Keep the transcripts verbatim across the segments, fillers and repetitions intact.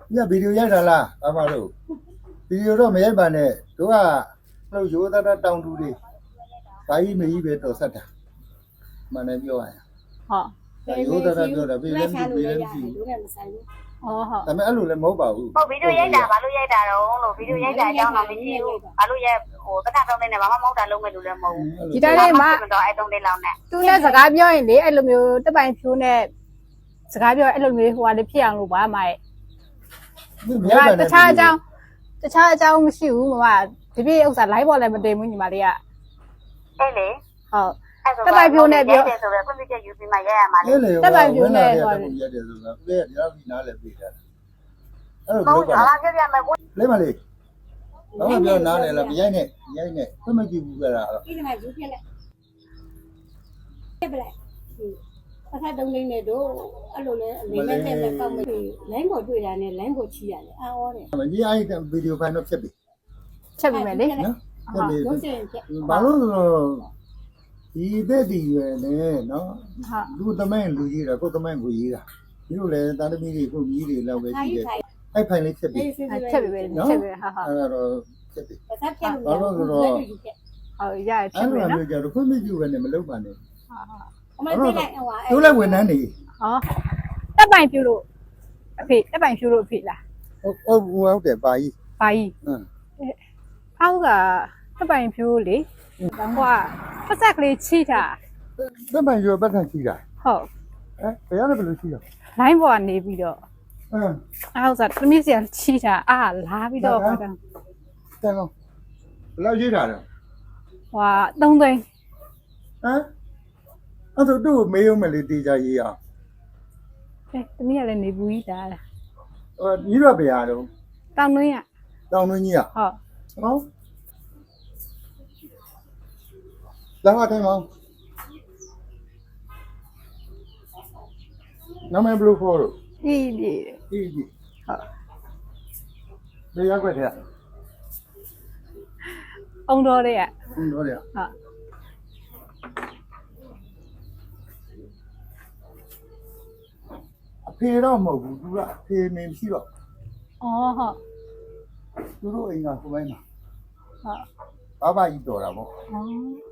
ညဗီဒီယိုရိုက်တာလားအမတို့ဗီဒီယိုတော့မရိုက်ပါနဲ့တို့ကလို့ရိုးသားသားတောင်တူတွေဘာကြီးမကြီးပဲတော်ဆက်တာမှန်တယ်ပြောရရင်ဟုတ်ရိုးသားသားပြောတာပြေးလည်းမပြေးလည်းမရှိဘူးဟုတ်ဟုတ်ဒါပေမဲ့အဲ့လိုလည်းမဟုတ်ပါဘူးဟုတ်ဗီဒီယိုရိုက်တာဘာလို့ရိုက်တာတော့လို့ဗီဒီယိုရိုက်တာအကြောင်းတော့မရှိဘူးဘာလို့ရိုက်ဟိုတစ်ခါတော့နေဘာမှမဟုတ်တာလုံးမဲ့လူလည်းမဟုတ်ဘူးဒီတိုင်းလေးမှာတော့အဲ့တုံးလေးလောက်နဲ့သူနဲ့စကားပြောရင်လေအဲ့လိုမျိုးတက်ပိုင်ဖြိုးနဲ့စကားပြောအဲ့လိုမျိုးဟိုဟာလေးဖြစ်အောင်လို့ပါမရဲ့တခြားအကြောင်းတခြားအကြောင်းမရှိဘူးမမဒီပြည့်ဥစ္စာ live ပေါ်လည်းမတင်ဘူးညီမလေးကအဲ့လေဟုတ်တက်ပိုင်ဖြိုးနဲ့ပြောဆိုတော့ computer ယူပြီးမှရိုက်ရမှာလေတက်ပိုင်ဖြိုးနဲ့ဟောရတယ်ဆိုတော့ပြည့်ရဒီနားလည်းပြေးတာအဲ့လိုပြောပါလားပြောပြမယ်လေးမလေးတော့ပြောနားလည်းမရိုက်နဲ့ရိုက်နဲ့ခွင့်မကြည့်ဘူးကြတာတော့ဒီမှာယူပြလိုက်ပြပလိုက်အခါတုံးလေးနဲ့တို့အဲ့လိုလဲအနေနဲ့နဲ့ကောက်မတွေ့လိုင်းပေါ်တွေ့တာနဲ့လိုင်းပေါ်ချီရတယ်အာဩတယ်မကြီးအဲ့ဗီဒီယိုဖိုင်တော့ဖြစ်ပြီချက်ပြီမယ်လေနော်ဟုတ်ပြီဘာလို့ဆိုတော့ဒီတဲ့ဒီရွယ်နဲ့နော်လူသမိုင်းလူကြီးတာကိုသမိုင်းကိုကြီးတာဒီလိုလဲတာသမီတွေကိုကြီးတွေလောက်ပဲကြီးတယ်အဲ့ဖိုင်လေးဖြစ်ပြီချက်ပြီပဲချက်ပြီဟာဟာအဲ့တော့ဖြစ်ပြီဘာလို့ဆိုတော့ဟုတ်ရချက်ပြီနော်အဲ့လိုကြတော့ခွင့်မပြုဘဲနဲ့မလုပ်ပါနဲ့ဟာဟာအမသိလိုက်ဟိုဟာတို့လည်းဝန်ထမ်းနေဟောတက်ပိုင်ပြူလို့အဖေတက်ပိုင်ပြူလို့အဖေလားဟုတ်ဟုတ်ဟုတ်တယ်ပါကြီးပါကြီးဟမ်အောက်ကတက်ပိုင်ပြူလေတော့ကပတ်ဆက်ကလေးချိတာတက်ပိုင်ပြူပတ်ဆက်ချိတာဟုတ်အဲဘယ်ရလဲဘယ်လိုချိတာ line ပေါ်ကနေပြီးတော့အင်းအောက်စားသမီးစီချိတာအာလာပြီးတော့ဘာတန်းတန်းတော့ဘယ်လောက်ချိတာလဲဟွာသုံးသိန်းဟမ်အဲ့တော့သူ့မေးရုံးမလေးတေးကြရေးအောင်အဲသမီးကလည်းနေဘူးကြီးတာလားဟိုညီတော့ဘယ်ရတော့တောင်တွင်းကတောင်တွင်းကြီးอ่ะဟုတ်ဟောလာမထိုင်မောင်နာမည်ဘယ်လိုခေါ်လို့ပြီပြီပြီပြီဟုတ်ဘယ်ရောက်ခဲ့တဲ့အောင်တော်တဲ့ကအောင်တော်တဲ့ဟုတ်အဖေတော့မဟုတ်ဘူးသူကအဖေမင်းရှိတော့အော်ဟုတ်သူတို့အိမ်ကကိုပိုင်းမှာဟုတ်ဘာဘာကြီးတော်တာပေါ့အော်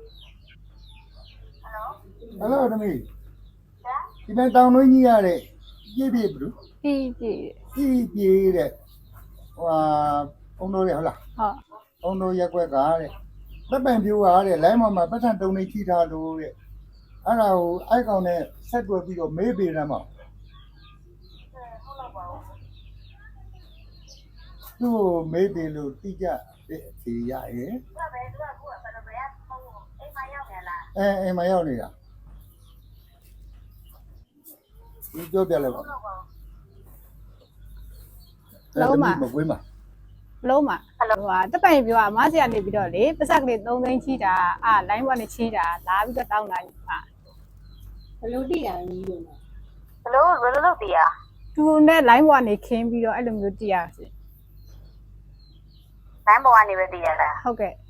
ဟယ်လိုဟယ်လိုတမီးဒီနေ့တောင်တွင်းကြီးရတဲ့ပြည့်ပြည့်ဘလို့ပြည့်ပြည့်ပြည့်ပြည့်တဲ့ဟိုအောင်တော်ရဟုတ်လားဟုတ်အောင်တော်ရက်ွက်ကတဲ့တပ်ပံပြိုးကတဲ့လိုင်းပေါ်မှာပတ်စံတုံနေချိထားလို့တဲ့အဲ့ဒါကိုအိုက်ကောင်နဲ့ဆက်တွယ်ပြီးတော့မေးပေးရမှာသူ့မေးပေးလို့တိကျတဲ့အဖြေရရဲ့သူကဘယ်သူကခုကဘယ်လိုပဲအိမ်မရောက်နေလားအဲအိမ်မရောက်နေတာဒီပြောပြလိုက်ပါလုံးမမကွေးမှာလုံးမဟိုဟာတက်ပိုင်ပြောအမစီကနေပြီးတော့လေပတ်ဆက်ကလေးသုံးသိန်းချိတာအာ line ပေါ်နဲ့ချိတာလာပြီးတော့တောင်းတာဟာဘယ်လိုတိရလဲလို့ဘယ်လိုဘယ်လိုလုပ်တည်ရသူနဲ့ line ပေါ်ကနေခင်းပြီးတော့အဲ့လိုမျိုးတိရစီ line ပေါ်ကနေပဲတည်ရတာဟုတ်ကဲ့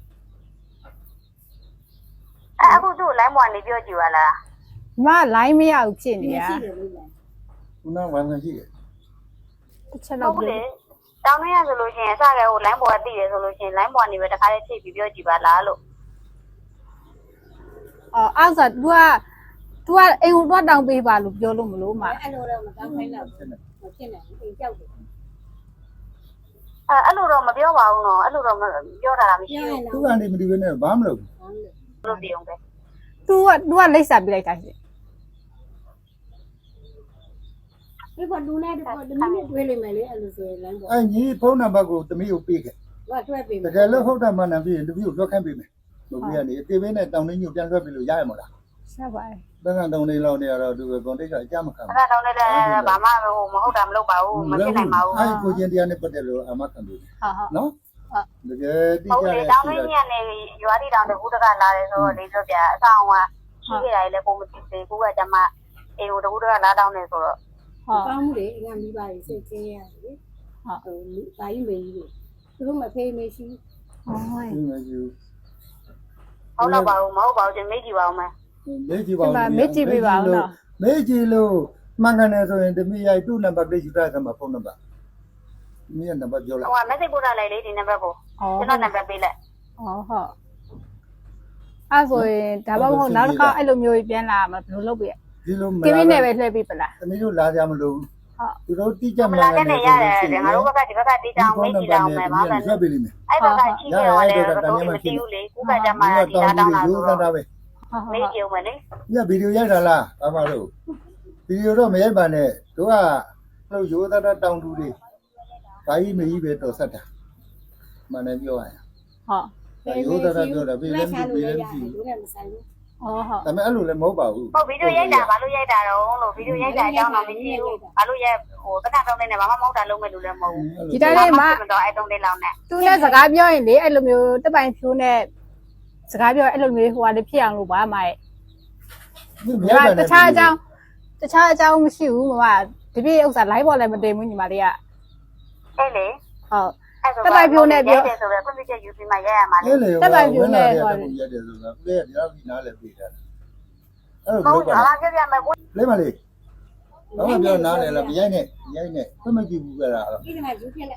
အခုသူ့ line ပေါ်ကနေပြောကြည့်ပါလားမ line မရဘူးဖြစ်နေရခုနကဝန်ခံရှိတယ်တစ်ချက်တော့ပြောတောင်းနေရဆိုလို့ရှိရင်အစကဟို line ပေါ်ကတည်တယ်ဆိုလို့ရှိရင် line ပေါ်ကနေပဲတခါလေးချိန်ပြီးပြောကြည့်ပါလားလို့အော်အောက်စား तू က तू ကအိမ်ကိုတော့တောင်းပေးပါလို့ပြောလို့မလို့မအဲ့လိုတော့မတောင်းခိုင်းတော့မဖြစ်နိုင်ဘူးအိမ်ကြောက်တယ်အဲအဲ့လိုတော့မပြောပါဘူးနော်အဲ့လိုတော့ပြောတာမရှိဘူးသူကနေမဒီဘဲနဲ့ဘာမလုပ်ဘူးလို့ပြောပဲ तू က तू ကလိပ်စာပြလိုက်တာရှင်ဒီကလူနဲ့တော့တမီးနဲ့တွေ့လိမ့်မယ်လေအဲ့လိုဆိုရင်လမ်းပေါ်အဲညီဖုန်းနံပါတ်ကိုတမီးကိုပေးခဲ့ဟိုကတွဲပေးမယ်တကယ်လို့ဟုတ်တာမှန်တယ်ပြီးရင်တမီးကိုလွှတ်ခိုင်းပေးမယ်ဘုရားကနေအတေးပေးနဲ့တောင်းနှင်းညို့ပြန်လွှတ်ပြီးလို့ရရမလားဆက်ပါတယ်ဘယ်ကတောင်းနေလောက်နေရတော့သူကကွန်တိတ်ကအကြမ်းမခံဘူးဘယ်ကတောင်းနေလဲဘာမှဟိုမဟုတ်တာမလုပ်ပါဘူးမဖြစ်နိုင်ပါဘူးအဲကိုချင်းတရားနဲ့ပတ်သက်လို့အမခံပြီဟုတ်ဟုတ်နော်တကယ်တိကျတယ်တောင်းနေညနေရွာတိတောင်းတဲ့ဦးတကလာတယ်ဆိုတော့လေးဆိုပြအဆောင်ကရှိခဲ့ရတယ်လေပုံမသိသေးဘူးကကျမအေဟိုတကူတကလာတောင်းနေဆိုတော့ဟုတ်ကောင်းမှုလေအင်္ဂါမိဘကြီးစိတ်ချင်းရတယ်လေဟုတ်ဟိုဘာကြီးမေကြီးလေသူတို့မဖေးမေရှိဟုတ်ဟုတ်မရှိဘူးဟုတ်တော့ပါဘူးမဟုတ်ပါဘူးကျမေးကြည့်ပါဦးမယ်မေးကြည့်ပါဦးမေးကြည့်ပေးပါဦးနော်မေးကြည့်လို့မှန်ကန်တယ်ဆိုရင်တမီးရိုက်သူ့နံပါတ်လေးယူထားတယ်မှာဖုန်းနံပါတ်မင်းနံပါတ်ပြောလိုက်ဟိုက message ပို့ထားလိုက်လေဒီနံပါတ်ကိုอ๋อကျွန်တော်နံပါတ်ပေးလိုက်อ๋อဟုတ်အဲ့ဆိုရင်ဒါမှမဟုတ်နောက်တစ်ခါအဲ့လိုမျိုးပြန်လာမှာဘယ်လိုလုပ်ပြရဒီလိုမကိလာမင်းနဲ့ပဲလှည့်ပြီးပလားသမီးတို့လာကြမလို့ဟုတ်သူတို့တိကျမမှလာန်တဲ့နေရတယ်ငါတို့ဘက်ကဒီဘက်ကတေးချောင်းမေးကြည့်အောင်မယ်ဘာလဲဆွဲပေးလိမ့်မယ်အဲ့ဘက်ကရှိနေတော့လေတော့မသိဘူးလေကိုကကြမှာဒီလာတောင်းတာရိုးဆိုသားတာတော့ပဲဟုတ်မေးကြည့်အောင်မယ်လေညဗီဒီယိုရိုက်တာလားဘာမှလို့ဗီဒီယိုတော့မရိုက်ပါနဲ့တို့ကလို့ရိုးသားတာတောင်းတူတွေဘာကြီးမကြီးပဲတော်ဆက်တာမှန်တယ်ပြောရရင်ဟုတ်ရိုးသားတာပြောတာပြည်လည်းချပြည်လို့လည်းရပြည်ဘူးလည်းမဆိုင်ဘူးอ๋อဟုတ်ဒါပေမဲ့အဲ့လိုလည်းမဟုတ်ပါဘူးဟုတ်ဗီဒီယိုရိုက်တာဘာလို့ရိုက်တာတော့လို့ဗီဒီယိုရိုက်တာအကြောင်းတော့မရှိဘူးဘာလို့ရိုက်ဟိုတခါတုံးနေဘာမှမဟုတ်တာလုံးမဲ့လူလည်းမဟုတ်ဘူးဒီတိုင်းလေးမှာတော့အဲ့တုံးလေးလောက်နဲ့သူနဲ့စကားပြောရင်လေအဲ့လိုမျိုးတက်ပိုင်ဖြိုးနဲ့စကားပြောအဲ့လိုမျိုးဟိုဟာလေးဖြစ်အောင်လို့ပါမရဲ့ဒါတခြားအကြောင်းတခြားအကြောင်းမရှိဘူးမမဒီပြည့်ဥစ္စာ live ပေါ်လည်းမတင်ဘူးညီမလေးကအဲ့လေဟုတ်အဲ့ဆိုရိုက်တယ်ဆိုတော့ကွန်ပျူတာယူပြီးမှရိုက်ရမှာလေအဲ့လေတက်ပိုင်ပြနေတယ်ဟောရတယ်ဆိုတာပြည့်တရားပြီးနားလည်းပြီးတာအဲ့ဟုလိုတ်ပြောကဲ့ပါအားပြပြမယ်ကိုလေးမလေးဘာမှပြောနားလည်းလားပြရိုက်နဲ့ရိုက်နဲ့ဘယ်မှကြည့်ဘူးကြတာတော့ဒီမှာယူပြလိုက်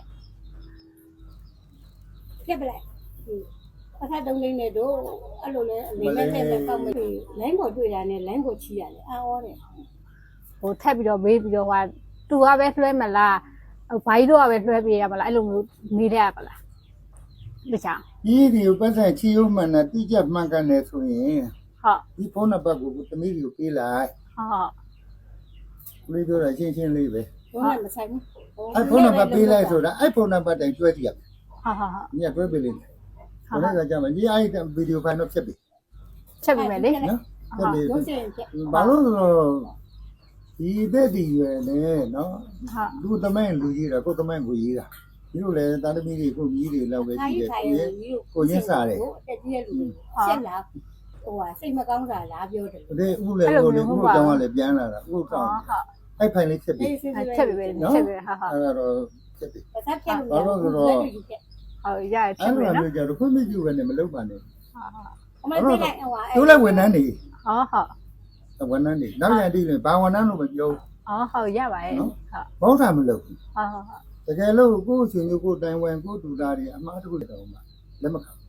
ပြပလိုက်ပတ်သက်တုံးလေးနဲ့တို့အဲ့လိုလဲအနေနဲ့တဲ့ပဲကောက်မလို့လိုင်းပေါ်တွေ့တာနဲ့လိုင်းပေါ်ချီရတယ်အာဩတယ်ဟိုထက်ပြီးတော့မေးပြီးတော့ဟာတူကပဲလွှဲမလားဟိုဘိုင်းတို့ကပဲလွှဲပေးရမလားအဲ့လိုမျိုးမေးရပါလားတခြားဒီဒီကိုပတ်သက်ချီယုံမှန်တာတိကျမှန်ကန်တယ်ဆိုရင်ဟုတ်ဒီဖုန်းနံပါတ်ကိုသမီးကိုပေးလိုက်ဟုတ်လေးပြောတာရှင်းရှင်းလေးပဲဘုန်းကမဆိုင်ဘူးအဲ့ဖုန်းနံပါတ်ပေးလိုက်ဆိုတာအဲ့ဖုန်းနံပါတ်တိုင်ကျွဲကြည့်ရမယ်ဟုတ်ဟုတ်ဟုတ်ညတွဲပေးလိမ့်မယ်ဘယ်နဲ့ကကြမှာဒီအဲ့ဒီဗီဒီယိုဖိုင်တော့ဖြတ်ပြီချက်ပြီးမယ်လေနော်ဖြတ်ပြီရုပ်ရှင်ပြဘာလို့လဲဆိုတော့ဒီတဲ့ဒီရွယ်နဲ့နော်ဟုတ်လူသမိုင်းလူကြီးတာကိုယ်သမိုင်းကိုရေးတာဒီလိုလေတာသမီတွေကိုကြီးတွေလောက်ပဲအားရှိရတယ်ထိုင်ကိုရရဲ့ကြီးတို့ကိုရင်းစားတယ်တက်ကြီးရဲ့လူဆက်လာဟိုဟာစိတ်မကောင်းတာလားပြောတယ်ဒီဥလေကိုလေဥတောင်းကလည်းပြန်လာတာဥတောင်းဟုတ်အဲ့ဖိုင်လေးဖြစ်ပြီချက်ပြီးမယ်ချက်ပြီးဟာဟာအဲ့တော့ဖြစ်ပြီပတ်သက်ပြလို့ဟုတ်ရရချက်အဲ့ပြီးလိုနော်မျိုးကြတော့ခွင့်မပြုဘဲနဲ့မလုပ်ပါနဲ့အမသိလိုက်ဟိုဟာသူလည်းဝန်ထမ်းနေဟုတ်ဟုတ်ဝန်ထမ်းနေနောက်ရတိလည်းဘာဝန်ထမ်းလို့မပြောအော်ဟုတ်ရပါရဲ့ဟုတ်ဘောင်းတာမလုပ်ဘူးဟုတ်ဟုတ်တကယ်လို့ကိုယ့်ရှင်မျိုးကိုယ်တိုင်ဝင်ကိုယ်တူတာတွေအမှားတစ်ခုတောင်မှလက်မခံဟုတ်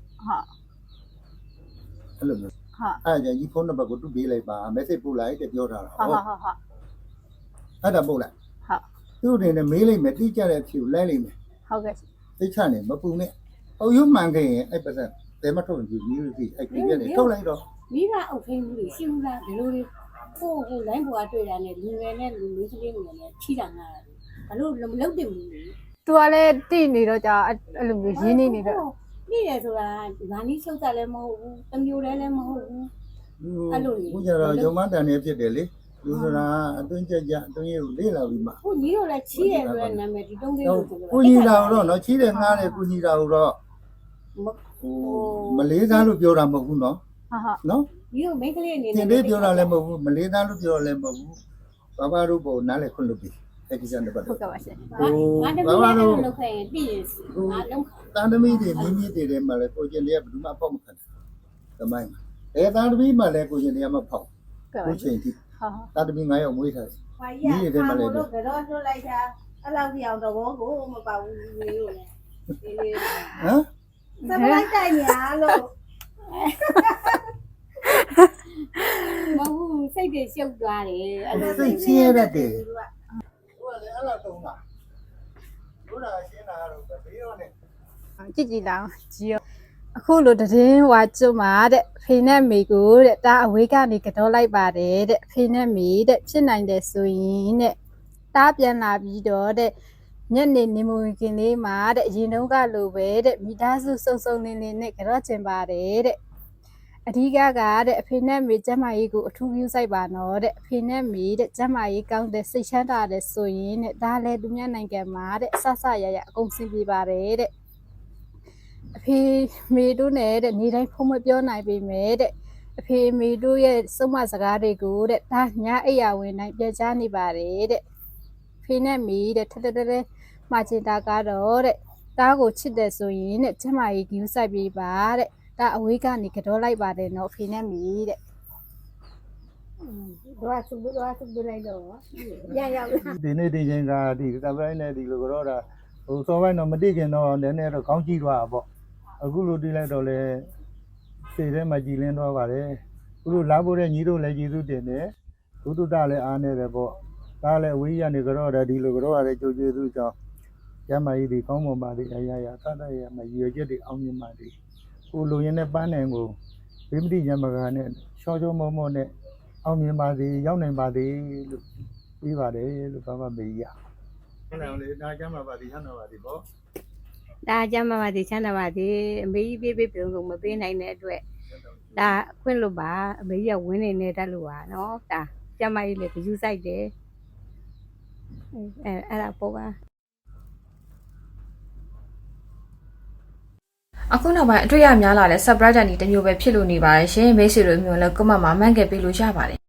အဲ့လိုမျိုးဟုတ်အဲ့ဒါကြီးဖုန်းနံပါတ်ကိုတူပေးလိုက်ပါ message ပို့လိုက်တဲ့ပြောထားတာဟုတ်ဟုတ်ဟုတ်ဟုတ်အဲ့ဒါပို့လိုက်ဟုတ်သူ့အနေနဲ့မေးလိုက်မယ်တိကျတဲ့အဖြေကိုလိုက်လိုက်မယ်ဟုတ်ကဲ့သိချနေမပူနဲ့အုပ်ရုံမှန်ခဲ့ရင်အဲ့ပတ်စံဘယ်မှထုတ်ရင်ဒီမျိုးကြီးအဲ့ဒီပြည့်နေထုတ်လိုက်တော့မိဘအုပ်ခင်းမှုတွေရှိဘူးလားဒီလိုတွေကိုကိုလိုင်းပေါ်တွေ့တာနဲ့လူငယ်နဲ့လူလူကြီးတွေနဲ့ချီတာငါဘာလို့မလုပ်တယ်ဘူးလေသူကလည်းတိနေတော့ကြာအဲ့လိုမျိုးရင်းနေနေတော့နေတယ်ဆိုတာငါနီးချုပ်တာလည်းမဟုတ်ဘူးတမျိုးလည်းလည်းမဟုတ်ဘူး အဲ့လိုလေဘုရားတော့ယုံမတန်နေဖြစ်တယ်လေလူဆိုတာအတွင်းကြကြအတွင်းကိုလေးလာပြီးမှခုညီတို့လည်းချီးတယ်ဆိုတဲ့နာမည်ဒီတုံးလေးတော့ကိုကိုကြီးလာတော့နော်ချီးတယ်ငားတယ်ကိုကြီးလာတော့ဟိုမလေးသားလို့ပြောတာမဟုတ်ဘူးနော်ဟုတ်ဟုတ်နော်ညီတို့မိန်းကလေးအနေသနဲ့င်လေးပြောတာလည်းမဟုတ်ဘူးမလေးသားလို့ပြောတာလည်းမဟုတ်ဘူးဘာဘာတို့ပေါ်နားလည်းခွင့်လို့ပြီအဲ့ဒီစံတပတ်ဟုတ်ကဲ့ပါရှင်ငါတမီးလည်းလုပ်ခဲ့ရင်ပြည်ရင်ငါလုံးတန်သမီးတွေမြင်းမြင့်တွေထဲမှာလည်းကိုကျင်တွေကဘယ်သူမှပေါက်မခံဘူးတမိုင်းမှာအဲတန်သမီးမှလည်းကိုကျင်တွေကမပေါက်ကဲ့ပါကိုရှချိန် င်ထိဟုတ်ဟုတ်တန်သမီးငါးယောက်မွေးထားတယ်ဘာကြီးကခါမို့လို့ကတော့လွတ်လိုက်တာအဲ့လောက်ပြောင်တော့ဘောကိုမပါဘူးမျိုးလို့လေဒီလေးဟမ်စပလိုက်တိုင်ညာလို့မဟုတ်စိတ်တွေရှုပ်သွားတယ်အဲ့လိုစိတ်ချင်းရတဲ့တယ်ဟိုကလည်းအဲ့လောက်တုံးတာတို့တာရှင်းတာကတော့ဘေးရောနဲ့ကြည့်ကြည့်လာကြည့်ရောအခုလိုတည်င်းဝါကျွတ်မှာတဲ့ဖေနဲ့မေကိုတဲ့တာအဝေးကနေကတော့လိုက်ပါတယ်တဲ့ဖေနဲ့မေတဲ့ဖြစ်နိုင်တယ်ဆိုရင်တဲ့တာပြန်လာပြီးတော့တဲ့ညနေနေမဝင်ခင်လေးမှာတဲ့အရင်တုန်းကလိုပဲတဲ့မိသားစုစုံစုံလင်းလင်းနဲ့ကြော့ချင်ပါတယ်တဲ့အဓိကကတဲ့အဖေနဲ့မေကျမကြီးကိုအထူးပြုဆိုင်ပါနော်တဲ့အဖေနဲ့မေတဲ့ကျမကြီးကောင်းတဲ့စိတ်ချမ်းသာတဲ့ဆိုရင်တဲ့ဒါလည်းသူများနိုင်ငံမှာတဲ့အဆဆရရအကုန်ဆင်ပြေပါတယ်တဲ့အဖေမေတို့နဲ့တဲ့နေတိုင်းဖုံးမပြောနိုင်ပေမဲ့တဲ့အဖေမေတို့ရဲ့စုံမစကားတွေကိုတဲ့ဒါညအိယာဝင်တိုင်းပြချနေပါတယ်တဲ့ဖေနဲ့မေတဲ့ထထထထမှာချင်တာကတော့တဲ့တားကိုချစ်တယ်ဆိုရင်တဲ့ကျမကြီးကူးဆိုင်ပြေးပါတဲ့ဒါအဝေးကနေကတော့လိုက်ပါတယ်နော်ဖေနဲ့မေတဲ့တော့သူတို့ကသူတို့လိုက်တော့ရရောက်ဒီနေ့ဒီချိန်ကဒီကပရိုင်းနဲ့ဒီလိုကတော့တာဟိုစောပိုင်းတော့မတိခင်တော့နည်းနည်းတော့ကောင်းကြည့်သွားတာပေါ့အခုလိုတိလိုက်တော့လေစိတ်ထဲမှာကြည်လင်းသွားပါတယ်အခုလိုလာဖို့တဲ့ညီတို့လည်းကျေးဇူးတင်တယ်ဒုတုတလည်းအားနေတယ်ပေါ့ဒါလည်းအဝေးရနေကြတော့တယ်ဒီလိုကြတော့ရတယ်ကြိုကျေးဇူးကြောင့်ရမကြီးဒီကောင်းမွန်ပါသည်အရာရာသတ်တရမရည်ရွယ်ချက်တွေအောင်မြင်ပါသည်ကိုလူရင်းနဲ့ပန်းနိုင်ကိုဗိမတိညမကနဲ့ရှော့ရှော့မောမောနဲ့အောင်မြင်ပါသည်ရောက်နိုင်ပါသည်လို့ပြီးပါတယ်လို့ဘာမှမေးရဟုတ်တယ်လေဒါကြမ်းပါပါသည်ဟန်တော်ပါသည်ပေါ့ဒါကြမ်းပါပါဒီချမ်းသာပါဒီအမေကြီးပေးပေးပြုံးလို့မပေးနိုင်တဲ့အတွက်ဒါအခွင့်လို့ပါအမေကြီးကဝင်းနေနေတတ်လို့ပါနော်ဒါကျမကြီးလည်းကြူးဆိုင်တယ်အဲအဲ့ဒါပေါ့ပါအခုနောက်ပိုင်းအတွေ့အကြများလာတဲ့ subscribe တန်ဒီတစ်မျိုးပဲဖြစ်လို့နေပါတယ်ရှင်မိတ်ဆွေတို့မျိုးလည်းကွန်မန့်မှာမှန်ခဲ့ပေးလို့ရပါတယ်